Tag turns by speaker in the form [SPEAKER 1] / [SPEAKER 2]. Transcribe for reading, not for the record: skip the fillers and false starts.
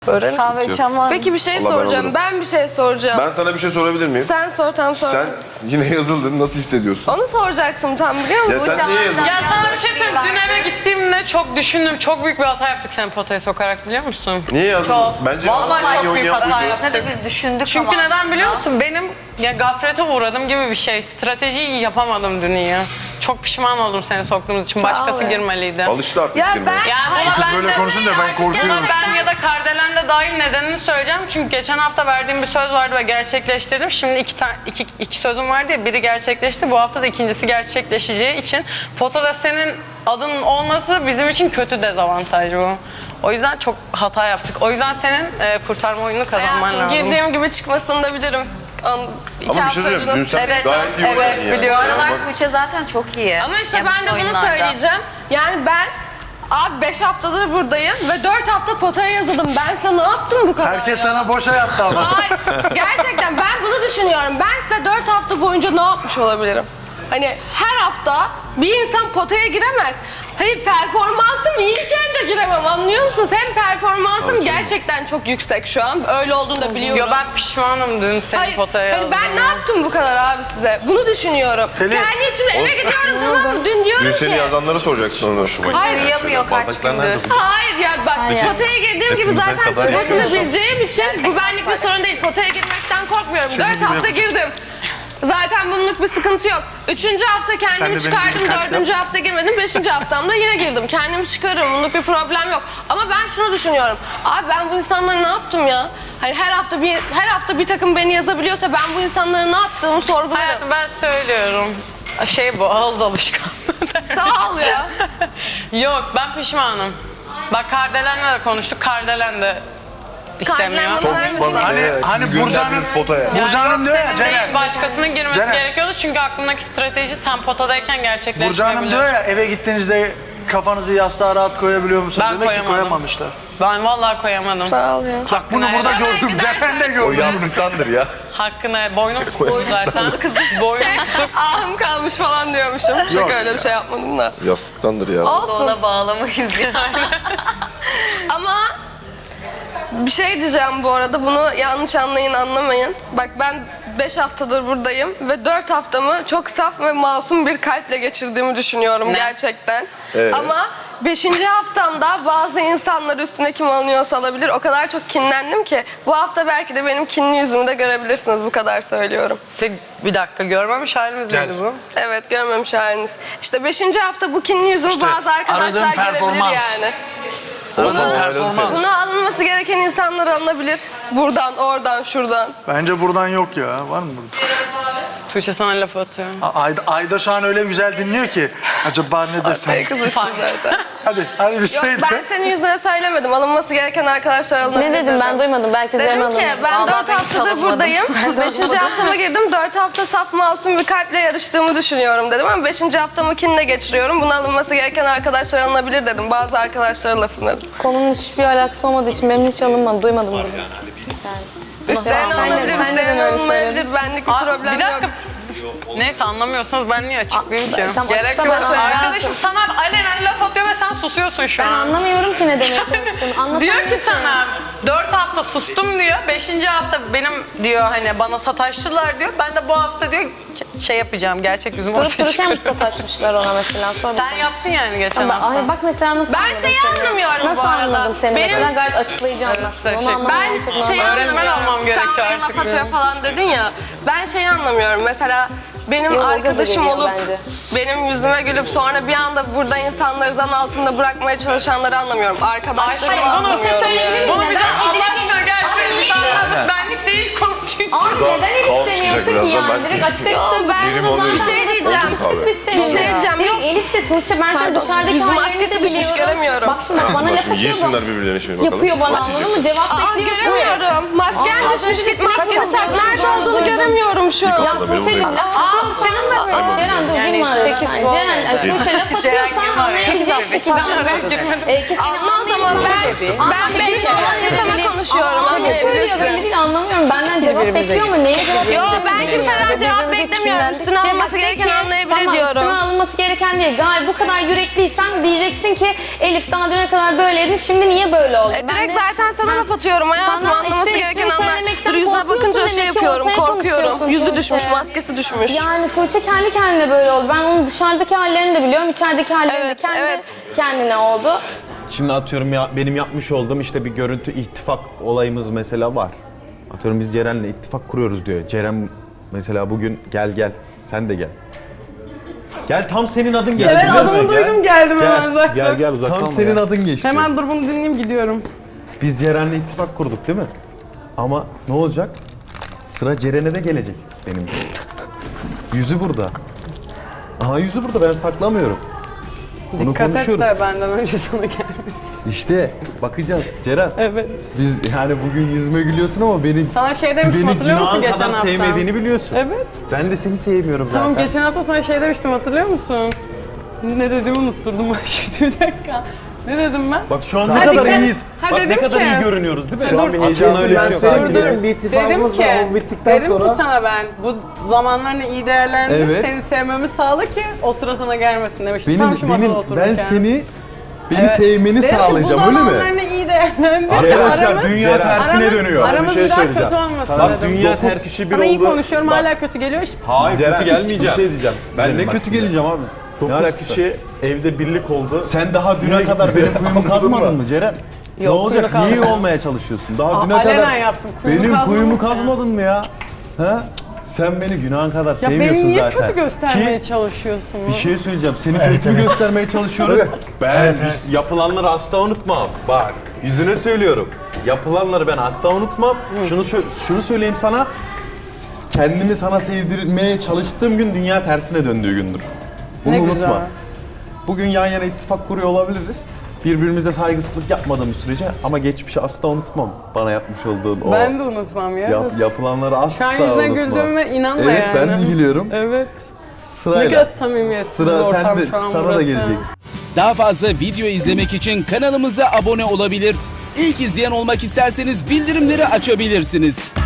[SPEAKER 1] Kahve içen var mı?
[SPEAKER 2] Peki bir şey
[SPEAKER 3] Allah ben
[SPEAKER 2] soracağım.
[SPEAKER 3] olurum.
[SPEAKER 2] Ben bir şey soracağım.
[SPEAKER 3] Ben sana bir şey sorabilir miyim?
[SPEAKER 2] Sen sor tam sor.
[SPEAKER 3] Sen yine yazıldın. Nasıl hissediyorsun?
[SPEAKER 2] Onu soracaktım tam biliyor
[SPEAKER 3] Ya
[SPEAKER 2] musun?
[SPEAKER 3] sen niye yazıldın?
[SPEAKER 1] Ya sana bir şey söyleyeyim. Dün eve gittiğimde çok düşündüm. Çok büyük bir hata yaptık seni potaya sokarak biliyor musun?
[SPEAKER 3] Niye yazıldın?
[SPEAKER 1] Çok.
[SPEAKER 3] Bence
[SPEAKER 1] Vallahi çok
[SPEAKER 3] iyi
[SPEAKER 1] büyük hata
[SPEAKER 3] oynayan
[SPEAKER 1] yaptık.
[SPEAKER 4] Ne de biz düşündük
[SPEAKER 1] Çünkü
[SPEAKER 4] ama.
[SPEAKER 1] neden biliyor musun? Benim ya gaflete uğradım gibi bir şey. Stratejiyi yapamadım dün ya. Çok pişman oldum seni soktuğumuz için.
[SPEAKER 2] Sağ ol
[SPEAKER 1] Başkası
[SPEAKER 2] ya.
[SPEAKER 1] girmeliydi.
[SPEAKER 3] Alıştı artık
[SPEAKER 2] Ya
[SPEAKER 3] girmeye.
[SPEAKER 2] ben...
[SPEAKER 1] Yani
[SPEAKER 5] Kız böyle konuşunca ben korkuyorum.
[SPEAKER 1] Ben ya da Kardelen de dahil nedenini söyleyeceğim. Çünkü geçen hafta verdiğim bir söz vardı ve gerçekleştirdim. Şimdi iki sözüm vardı ya, biri gerçekleşti. Bu hafta da ikincisi gerçekleşeceği için potada senin adının olması bizim için kötü dezavantaj bu. O yüzden çok hata yaptık. O yüzden senin kurtarma oyununu kazanman
[SPEAKER 2] Hayatım
[SPEAKER 1] lazım.
[SPEAKER 2] girdiğim gibi çıkmasını da bilirim. İki
[SPEAKER 3] Ama bir
[SPEAKER 2] hafta
[SPEAKER 3] şey
[SPEAKER 2] önce
[SPEAKER 3] söyleyeyim. Dün
[SPEAKER 2] nasıl
[SPEAKER 3] sen
[SPEAKER 1] Evet,
[SPEAKER 3] gayet iyi oynadın
[SPEAKER 1] evet,
[SPEAKER 3] ya.
[SPEAKER 1] biliyorum.
[SPEAKER 4] Bu aralar Tuğçe zaten çok iyi.
[SPEAKER 2] Ama işte
[SPEAKER 4] Yapıcı
[SPEAKER 2] ben de bunu
[SPEAKER 4] oyunlarda.
[SPEAKER 2] söyleyeceğim. Yani ben... Abi 5 haftadır buradayım ve 4 hafta potaya yazıldım. Ben sana ne yaptım bu kadar
[SPEAKER 5] Herkes
[SPEAKER 2] ya?
[SPEAKER 5] sana boşa yaptı ama.
[SPEAKER 2] Hayır, gerçekten ben bunu düşünüyorum. Ben size 4 hafta boyunca ne yapmış olabilirim? Hani her hafta bir insan potaya giremez. Hayır, performansım iyiyken de giremem, anlıyor musunuz? Hem performansım gerçekten çok yüksek şu an. Öyle olduğunu da biliyorum.
[SPEAKER 1] Yo, ben pişmanım dün seni
[SPEAKER 2] Hayır,
[SPEAKER 1] potaya
[SPEAKER 2] hani ben ne
[SPEAKER 1] yazdığıma.
[SPEAKER 2] yaptım bu kadar abi size? Bunu düşünüyorum.
[SPEAKER 5] Pelin.
[SPEAKER 2] Kendi içimde eve gidiyorum, tamam mı? Dün diyorum
[SPEAKER 3] Dün
[SPEAKER 2] ki...
[SPEAKER 3] seni yazanları soracaksın ona.
[SPEAKER 2] Hayır,
[SPEAKER 4] Uyuyamıyor kaç gündür.
[SPEAKER 2] hayır ya bak potaya girdiğim gibi zaten çıkmasını bileceğim için bu benlik bir sorun değil. Potaya girmekten korkmuyorum. 4 hafta girdim. Zaten bunluk bir sıkıntı yok. 3. hafta
[SPEAKER 5] Sen de
[SPEAKER 2] kendimi
[SPEAKER 5] benim
[SPEAKER 2] çıkardım,
[SPEAKER 5] gibi kalp
[SPEAKER 2] 4. hafta girmedim, 5. haftamda yine girdim. Kendimi çıkarırım, bunluk bir problem yok. Ama ben şunu düşünüyorum. Abi ben bu insanlara ne yaptım ya? Hani her hafta bir takım beni yazabiliyorsa ben bu insanlara ne yaptığımı sorgularım.
[SPEAKER 1] Hayatım ben söylüyorum. Bu ağız alışkanlığı.
[SPEAKER 2] Sağ ol ya.
[SPEAKER 1] Yok, ben pişmanım. Bak Kardelen'le de konuştuk. Kardelen de istemiyor.
[SPEAKER 2] Kardelen
[SPEAKER 3] Çok
[SPEAKER 2] bana
[SPEAKER 3] pişmanım.
[SPEAKER 2] vermedi.
[SPEAKER 5] Hani
[SPEAKER 3] gönderdiniz potaya.
[SPEAKER 5] Burcu Hanım diyor ya
[SPEAKER 1] Senin
[SPEAKER 5] Ceren.
[SPEAKER 1] değil, başkasının girmesi
[SPEAKER 5] Ceren.
[SPEAKER 1] gerekiyordu çünkü aklımdaki strateji sen potadayken
[SPEAKER 5] Burcu
[SPEAKER 1] gerçekleşmeyebilir.
[SPEAKER 5] Hanım diyor ya eve gittiğinizde kafanızı yastığa rahat koyabiliyor musunuz?
[SPEAKER 1] Ben
[SPEAKER 5] Demek ki
[SPEAKER 1] koyamadım.
[SPEAKER 5] koyamamışlar.
[SPEAKER 1] Ben vallahi koyamadım.
[SPEAKER 2] Sağ ol ya.
[SPEAKER 5] Bak bunu burada
[SPEAKER 2] helal.
[SPEAKER 5] gördüm. Ceren de
[SPEAKER 3] O
[SPEAKER 5] gördüm.
[SPEAKER 3] yastıktandır ya.
[SPEAKER 1] Hakkına boynum tuttu zaten. Boynum tutup
[SPEAKER 2] Ahım kalmış falan diyormuşum. Şaka, öyle bir şey yapmadım da.
[SPEAKER 3] Yastıktandır ya.
[SPEAKER 2] Olsun.
[SPEAKER 4] Ona bağlamayız yani.
[SPEAKER 2] Ama bir şey diyeceğim bu arada, bunu yanlış anlayın, anlamayın. Bak ben 5 haftadır buradayım ve 4 haftamı çok saf ve masum bir kalple geçirdiğimi düşünüyorum gerçekten.
[SPEAKER 3] Evet.
[SPEAKER 2] Ama 5. haftamda bazı insanlar üstüne kim alınıyorsa alabilir. O kadar çok kinlendim ki bu hafta belki de benim kinli yüzümü de görebilirsiniz, bu kadar söylüyorum.
[SPEAKER 1] bir dakika görmemiş halimiz miydi bu?
[SPEAKER 2] Evet, görmemiş haliniz. İşte 5. hafta bu kinli yüzümü
[SPEAKER 5] İşte
[SPEAKER 2] bazı arkadaşlar
[SPEAKER 5] aradığın
[SPEAKER 2] görebilir
[SPEAKER 5] performans.
[SPEAKER 2] yani.
[SPEAKER 5] Aradığın performans.
[SPEAKER 2] Buna alınması gereken insanlar alınabilir. Buradan, oradan, şuradan.
[SPEAKER 5] Bence buradan yok ya. Var mı burada?
[SPEAKER 1] Tuğçe sana laf atıyor.
[SPEAKER 5] Ayda şu an öyle güzel dinliyor ki. Acaba ne desem?
[SPEAKER 2] Kızıştı zaten.
[SPEAKER 5] Hadi bir
[SPEAKER 2] Yok,
[SPEAKER 5] şey de.
[SPEAKER 2] ben senin yüzüne söylemedim. Alınması gereken arkadaşlar alınabilir.
[SPEAKER 6] Ne dedim ben duymadım. Belki üzerime
[SPEAKER 2] Dedim ki
[SPEAKER 6] alınır.
[SPEAKER 2] ben
[SPEAKER 4] Vallahi
[SPEAKER 2] 4
[SPEAKER 4] ben hiç
[SPEAKER 2] haftadır
[SPEAKER 4] alınmadım.
[SPEAKER 2] buradayım. 5. haftama girdim. 4 hafta saf masum bir kalple yarıştığımı düşünüyorum dedim. Ama 5. haftamı kinle geçiriyorum. Buna alınması gereken arkadaşlar alınabilir dedim. Bazı arkadaşlara lafını dedim.
[SPEAKER 6] Konunun hiçbir alakası olmadığı için benim hiç alınmadım. Duymadım bunu.
[SPEAKER 2] İsteyen
[SPEAKER 6] Sen de-
[SPEAKER 2] alınabilir,
[SPEAKER 6] sen de
[SPEAKER 2] isteyen
[SPEAKER 6] böyle
[SPEAKER 2] alınmayabilir. Benlik bir problem
[SPEAKER 1] bir dakika.
[SPEAKER 2] yok.
[SPEAKER 1] Neyse anlamıyorsanız ben niye açıklayayım ki?
[SPEAKER 6] Tamam,
[SPEAKER 1] Gerek
[SPEAKER 6] açıklama
[SPEAKER 1] yok.
[SPEAKER 6] söyle.
[SPEAKER 1] Arkadaşım sana alenen laf atıyor ve sen susuyorsun şu
[SPEAKER 6] Ben
[SPEAKER 1] an.
[SPEAKER 6] anlamıyorum ki ne demeye çalıştığını.
[SPEAKER 1] Diyor ki sana 4 hafta sustum diyor. 5. hafta benim diyor hani bana sataştılar diyor. Ben de bu hafta diyor şey yapacağım. Gerçek yüzümü
[SPEAKER 6] Durup
[SPEAKER 1] ortaya
[SPEAKER 6] dururken mi
[SPEAKER 1] çıkarıyorum.
[SPEAKER 6] sataşmışlar ona mesela? Sor
[SPEAKER 1] Sen
[SPEAKER 6] bakalım.
[SPEAKER 1] yaptın yani geçen
[SPEAKER 6] Bak,
[SPEAKER 1] hafta.
[SPEAKER 6] ay, bak mesela nasıl
[SPEAKER 2] Ben
[SPEAKER 6] anladım
[SPEAKER 2] şeyi
[SPEAKER 6] seni.
[SPEAKER 2] anlamıyorum
[SPEAKER 6] Nasıl
[SPEAKER 2] bu arada.
[SPEAKER 6] anladım seni
[SPEAKER 2] Benim-
[SPEAKER 6] mesela? Gayet açıklayıcı anlattın.
[SPEAKER 1] teşekkür-
[SPEAKER 6] Onu anlamam çok
[SPEAKER 2] Ben
[SPEAKER 6] normal.
[SPEAKER 2] şeyi
[SPEAKER 1] Öğretmen olmam
[SPEAKER 2] anlamıyorum. Sen
[SPEAKER 1] gerekiyor
[SPEAKER 2] oraya
[SPEAKER 1] artık
[SPEAKER 2] laf atıyor
[SPEAKER 1] benim.
[SPEAKER 2] falan dedin ya. Ben şeyi anlamıyorum. Mesela benim
[SPEAKER 6] Yok, o gaza
[SPEAKER 2] arkadaşım
[SPEAKER 6] geliyor
[SPEAKER 2] olup
[SPEAKER 6] bence.
[SPEAKER 2] benim yüzüme gülüp sonra bir anda burada insanları zan altında bırakmaya çalışanları anlamıyorum. Arkadaşlarımı
[SPEAKER 1] Hayır, bunu-
[SPEAKER 2] anlamıyorum.
[SPEAKER 6] Bir şey söyleyebilir
[SPEAKER 1] Bunu
[SPEAKER 6] miyim?
[SPEAKER 1] bize
[SPEAKER 6] Neden
[SPEAKER 1] Allah
[SPEAKER 6] edilen...
[SPEAKER 1] aşkına gerçekten insanlarımız benlik değil konu çünkü.
[SPEAKER 6] Abi neden Elif
[SPEAKER 3] kaos
[SPEAKER 6] demiyorsun
[SPEAKER 3] çıkacak
[SPEAKER 6] ki
[SPEAKER 3] birazdan,
[SPEAKER 6] yani?
[SPEAKER 3] ben-
[SPEAKER 6] Direkt açık açık söyle. Ben
[SPEAKER 3] Benim
[SPEAKER 6] bunu
[SPEAKER 3] oluyor.
[SPEAKER 2] Bir şey diyeceğim.
[SPEAKER 6] Konuştuk biz seninle.
[SPEAKER 2] Bir şey diyeceğim.
[SPEAKER 6] Direkt
[SPEAKER 2] Yok.
[SPEAKER 6] Elif de Tuğçe ben seni
[SPEAKER 2] Pardon,
[SPEAKER 6] dışarıdaki
[SPEAKER 2] yüz
[SPEAKER 6] hallerini
[SPEAKER 2] maskesi
[SPEAKER 6] de
[SPEAKER 2] düşmüş,
[SPEAKER 6] biliyorum.
[SPEAKER 2] göremiyorum.
[SPEAKER 6] Bak şimdi bana laf atıyor bu.
[SPEAKER 3] Giysinler birbirlerine şimdi bakalım.
[SPEAKER 6] Yapıyor bana anladın mı? Cevap
[SPEAKER 2] Aa,
[SPEAKER 6] bekliyorsun.
[SPEAKER 2] göremiyorum. Masken
[SPEAKER 6] Aa,
[SPEAKER 2] düşmüş,
[SPEAKER 6] az
[SPEAKER 2] git
[SPEAKER 6] önce
[SPEAKER 2] maskeni
[SPEAKER 6] sen
[SPEAKER 2] tak. Nerede
[SPEAKER 6] yaptın.
[SPEAKER 2] olduğunu göremiyorum şu an.
[SPEAKER 6] Ya Tuğçe'cim laf atıyorsan... Ceren dur girme araya. Ceren Tuğçe laf atıyorsan anlayabileceğim şekilde anlat.
[SPEAKER 2] Anla o zaman ben belli olan insana konuşuyorum.
[SPEAKER 6] Anla
[SPEAKER 2] anlayabilirsin.
[SPEAKER 6] Öyle değil, anlamıyorum. Benden cevap bekliyor mu? Neye cevap bekliyor?
[SPEAKER 2] Yo ben kimseden cevap beklemiyorum. Üstüne alınması gereken anlayabilir
[SPEAKER 6] tamam,
[SPEAKER 2] diyorum.
[SPEAKER 6] Üstüne alınması gereken değil. Gayet bu kadar yürekliysen diyeceksin ki Elif daha düne kadar böyleydin. Şimdi niye böyle oldu?
[SPEAKER 2] Direkt zaten sana laf atıyorum hayatım.
[SPEAKER 6] Sana
[SPEAKER 2] Anlaması
[SPEAKER 6] işte
[SPEAKER 2] gereken
[SPEAKER 6] ismini
[SPEAKER 2] anlar.
[SPEAKER 6] söylemekten
[SPEAKER 2] Dur yüzüne bakınca
[SPEAKER 6] korkuyorsun
[SPEAKER 2] şey
[SPEAKER 6] demek ki,
[SPEAKER 2] yapıyorum.
[SPEAKER 6] ortaya
[SPEAKER 2] Korkuyorum.
[SPEAKER 6] konuşuyorsun
[SPEAKER 2] Yüzü düşmüş,
[SPEAKER 6] Tuğçe.
[SPEAKER 2] maskesi düşmüş.
[SPEAKER 6] Yani Tuğçe kendi kendine böyle oldu. Ben onun dışarıdaki hallerini de biliyorum. İçerideki hallerini
[SPEAKER 2] Evet,
[SPEAKER 6] de kendi
[SPEAKER 2] evet.
[SPEAKER 6] kendine oldu.
[SPEAKER 7] Şimdi atıyorum ya, benim yapmış olduğum işte bir görüntü ittifak olayımız mesela var. Atıyorum biz Ceren'le ittifak kuruyoruz diyor. Ceren mesela bugün gel sen de gel. Gel tam senin adın geçti.
[SPEAKER 1] Evet
[SPEAKER 7] biliyor musun?
[SPEAKER 1] adımı duydum geldim hemen zaten.
[SPEAKER 7] Gel uzaktan. Tam senin adın geçti.
[SPEAKER 1] Hemen dur bunu dinleyeyim gidiyorum.
[SPEAKER 7] Biz Ceren'le ittifak kurduk değil mi? Ama ne olacak? Sıra Ceren'e de gelecek benim. Yüzü burada. Aha yüzü burada, ben saklamıyorum. Bunu
[SPEAKER 1] Dikkat et
[SPEAKER 7] konuşuyoruz.
[SPEAKER 1] de benden önce sana gelmesin.
[SPEAKER 7] İşte bakacağız Ceren.
[SPEAKER 1] Evet.
[SPEAKER 7] Biz yani bugün yüzüme gülüyorsun ama beni
[SPEAKER 1] Sana şey demiştim
[SPEAKER 7] beni
[SPEAKER 1] hatırlıyor musun
[SPEAKER 7] günahın
[SPEAKER 1] geçen
[SPEAKER 7] kadar
[SPEAKER 1] hafta?
[SPEAKER 7] sevmediğini biliyorsun.
[SPEAKER 1] Evet.
[SPEAKER 7] Ben de seni sevmiyorum zaten.
[SPEAKER 1] Tamam geçen hafta sana şey demiştim hatırlıyor musun? Ne dediğimi unutturdum ben şimdi bir dakika. Ne dedim ben?
[SPEAKER 7] Bak şu an ne
[SPEAKER 1] Hadi
[SPEAKER 7] kadar
[SPEAKER 1] gel.
[SPEAKER 7] iyiyiz.
[SPEAKER 1] Ha,
[SPEAKER 7] Bak ne
[SPEAKER 1] dedim
[SPEAKER 7] kadar
[SPEAKER 1] ki-
[SPEAKER 7] iyi görünüyoruz değil mi?
[SPEAKER 1] Şu an bir
[SPEAKER 7] Aslında öyle bir şey yok.
[SPEAKER 5] senin
[SPEAKER 1] Dur,
[SPEAKER 5] kesin
[SPEAKER 1] dur.
[SPEAKER 5] bir ittifakımız var. O bittikten
[SPEAKER 1] dedim
[SPEAKER 5] sonra...
[SPEAKER 1] ki sana ben bu zamanlarını iyi değerlendir,
[SPEAKER 7] Evet.
[SPEAKER 1] seni sevmemi sağla ki o sıra sana gelmesin demiştim. Tam şu masada otururken.
[SPEAKER 7] Ben seni
[SPEAKER 1] Evet.
[SPEAKER 7] sevmeni
[SPEAKER 1] Dedim ki,
[SPEAKER 7] sağlayacağım
[SPEAKER 1] bu
[SPEAKER 7] öyle mi?
[SPEAKER 1] zamanlarını iyi değerlendir.
[SPEAKER 7] Arkadaşlar
[SPEAKER 1] Aramız-
[SPEAKER 7] dünya tersine
[SPEAKER 1] aramız-
[SPEAKER 7] dönüyor.
[SPEAKER 1] Aramız
[SPEAKER 7] Bir şey
[SPEAKER 1] daha
[SPEAKER 7] söyleyeceğim.
[SPEAKER 1] kötü olmasın
[SPEAKER 7] Bak
[SPEAKER 1] dedim.
[SPEAKER 7] dünya ters kişi bir
[SPEAKER 1] Sana iyi
[SPEAKER 7] oldu.
[SPEAKER 1] konuşuyorum
[SPEAKER 7] Bak,
[SPEAKER 1] hala kötü geliyor.
[SPEAKER 7] Hayır
[SPEAKER 8] Ceren,
[SPEAKER 7] kötü gelmeyeceğim.
[SPEAKER 8] bir şey diyeceğim.
[SPEAKER 7] Ben
[SPEAKER 8] Ceren,
[SPEAKER 7] ne
[SPEAKER 8] bak
[SPEAKER 7] kötü
[SPEAKER 8] şimdi.
[SPEAKER 7] geleceğim abi. Ne
[SPEAKER 8] 9
[SPEAKER 7] alakası?
[SPEAKER 8] kişi evde birlik oldu.
[SPEAKER 7] Sen daha düne
[SPEAKER 8] Yine
[SPEAKER 7] kadar benim kuyumu
[SPEAKER 8] Anladın
[SPEAKER 7] kazmadın
[SPEAKER 8] mı?
[SPEAKER 7] mı Ceren? Ne
[SPEAKER 1] Yok,
[SPEAKER 7] olacak?
[SPEAKER 1] kuyumu
[SPEAKER 7] Niye
[SPEAKER 1] kazmadım.
[SPEAKER 7] olmaya çalışıyorsun? Daha düne
[SPEAKER 1] alenen
[SPEAKER 7] kadar
[SPEAKER 1] yaptım, kuyumu
[SPEAKER 7] benim kuyumu
[SPEAKER 1] kazmadım ya.
[SPEAKER 7] kazmadın mı ya? Ha? Sen beni günahın kadar
[SPEAKER 1] Ya
[SPEAKER 7] sevmiyorsun
[SPEAKER 1] beni niye
[SPEAKER 7] zaten.
[SPEAKER 1] kötü göstermeye
[SPEAKER 7] Ki
[SPEAKER 1] çalışıyorsun?
[SPEAKER 7] bir şey söyleyeceğim. Seni kötü mü göstermeye çalışıyoruz? Ben yapılanları asla unutmam. Bak yüzüne söylüyorum. Yapılanları ben asla unutmam. Şunu söyleyeyim sana. Kendimi sana sevdirmeye çalıştığım gün dünya tersine döndüğü gündür. Bunu
[SPEAKER 1] Ne
[SPEAKER 7] unutma.
[SPEAKER 1] güzel.
[SPEAKER 7] Bugün yan yana ittifak kuruyor olabiliriz. Birbirimize saygısızlık yapmadığımız sürece ama geçmişi asla unutmam. Bana yapmış olduğun o
[SPEAKER 1] Ben de unutmam ya.
[SPEAKER 7] yapılanları asla
[SPEAKER 1] Şu an yüzüne
[SPEAKER 7] unutmam.
[SPEAKER 1] güldüğüme inanma
[SPEAKER 7] evet,
[SPEAKER 1] yani.
[SPEAKER 7] ben de gülüyorum.
[SPEAKER 1] Evet.
[SPEAKER 7] Sırayla.
[SPEAKER 1] Ne kadar samimiyetsiz bir
[SPEAKER 7] Sıra
[SPEAKER 1] ortam
[SPEAKER 7] sende,
[SPEAKER 1] şu an
[SPEAKER 7] sana da
[SPEAKER 1] burası.
[SPEAKER 7] gelecek.
[SPEAKER 9] Daha fazla video izlemek için kanalımıza abone olabilir. İlk izleyen olmak isterseniz bildirimleri açabilirsiniz.